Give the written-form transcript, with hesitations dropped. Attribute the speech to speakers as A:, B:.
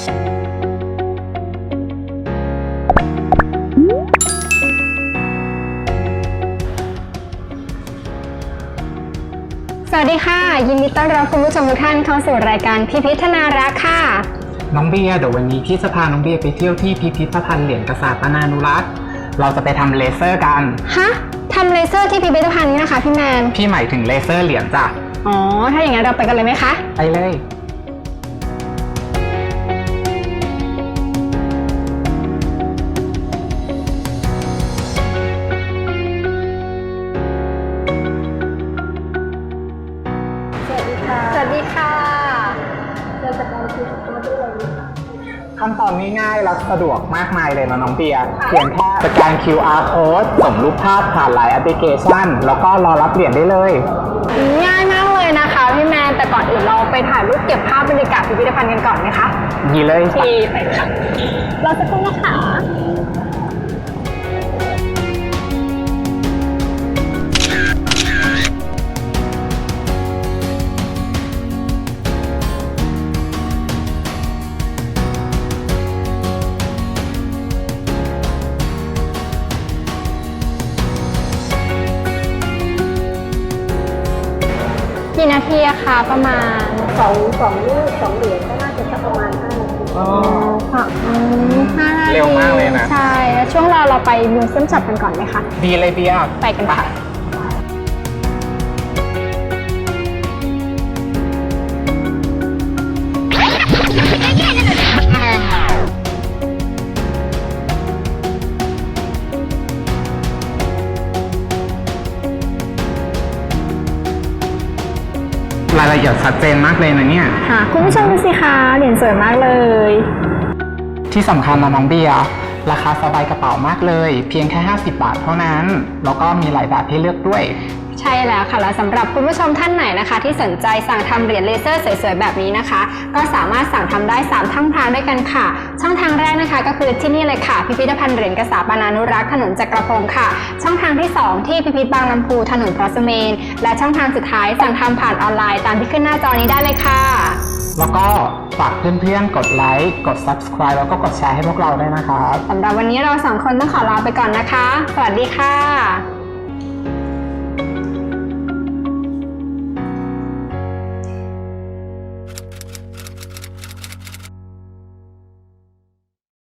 A: สวัสดีค่ะยินดีต้อนรับคุณผู้ชมทุกท่านเข้าสู่รายการพิพิธนารักษ์ค่ะ
B: น้องเบียร์เดี๋ยววันนี้พี่จะพาน้องเบียร์ไปเที่ยวที่พิพิธภัณฑ์เหรียญกษาปนานุรักษ์เราจะไปทำเลเซอร์กัน
A: ฮะทำเลเซอร์ที่พิพิธภัณฑ์นี้นะคะพี่แมน
B: พี่หมายถึงเลเซอร์เหรียญจ้ะ
A: อ๋อถ้าอย่างนั้นเราไปกันเลยไหมคะ
B: ไปเลย
A: สวัสดีค่ะ
B: เราจะการคิวอาร์โค้ดได้เลยขั้นตอนง่ายๆและสะดวกมากมายเลยนะน้องเบียร์เพียงแค่สแกน QR code ส่งรูปภาพผ่านไลน์แอปพลิเคชันแล้วก็รอรับเหรียญได้เลย
A: ง่ายมากเลยนะคะพี่แมนแต่ก่อนอื่นเราไปถ่ายรูปเก็บภาพบรรยากาศพิพิธภัณฑ์กันก่อนไหมคะ
B: ดีเลย
A: ไปค่ะเราจะต้องนะคะกี่นาทีอะคะประมาณ
C: สองลูก2 เหรียญก็น่าจะสักประมาณ5 นาที
A: อ๋อค่ะ5 นาที
B: เร็วมากเลยนะ
A: ใช่แล้วช่วงเราไปมิวเซียมช็อปกันก่อนไหมคะ
B: ดีเลยเบียร์
A: ไปกันค่ะ
B: รายละเอียดชัดเจนมากเลยนะเนี่ย
A: ค่ะคุณผู้ชมดูสิคะเหรียญสวยมากเลย
B: ที่สำคัญนะน้องเบียร์ราคาสบายกระเป๋ามากเลยเพียงแค่50 บาทเท่านั้นแล้วก็มีหลายแบบให้เลือกด้วย
A: ใช่แล้วค่ะและสำหรับคุณผู้ชมท่านไหนนะคะที่สนใจสั่งทำเหรียญเลเซอร์สวยๆแบบนี้นะคะก็สามารถสั่งทำได้3ช่องทางด้วยกันค่ะช่องทางแรกนะคะก็คือที่นี่เลยค่ะพิพิธภัณฑ์เหรียญกษาปนานุรักษ์ถนนจักรพงศ์ค่ะช่องทางที่2ที่พิพิธบางลำพูถนนพระสเมนและช่องทางสุดท้ายสั่งทำผ่านออนไลน์ตามที่ขึ้นหน้าจอนี้ได้เลยค่ะ
B: แล้วก็ฝากเพื่อนๆกดไลค์กด Subscribe แล้วก็กดแชร์ให้พวกเราด้วยนะครับ
A: สำหรับวันนี้เรา2 คนต้องขอลาไปก่อนนะคะสวัสดีค่ะ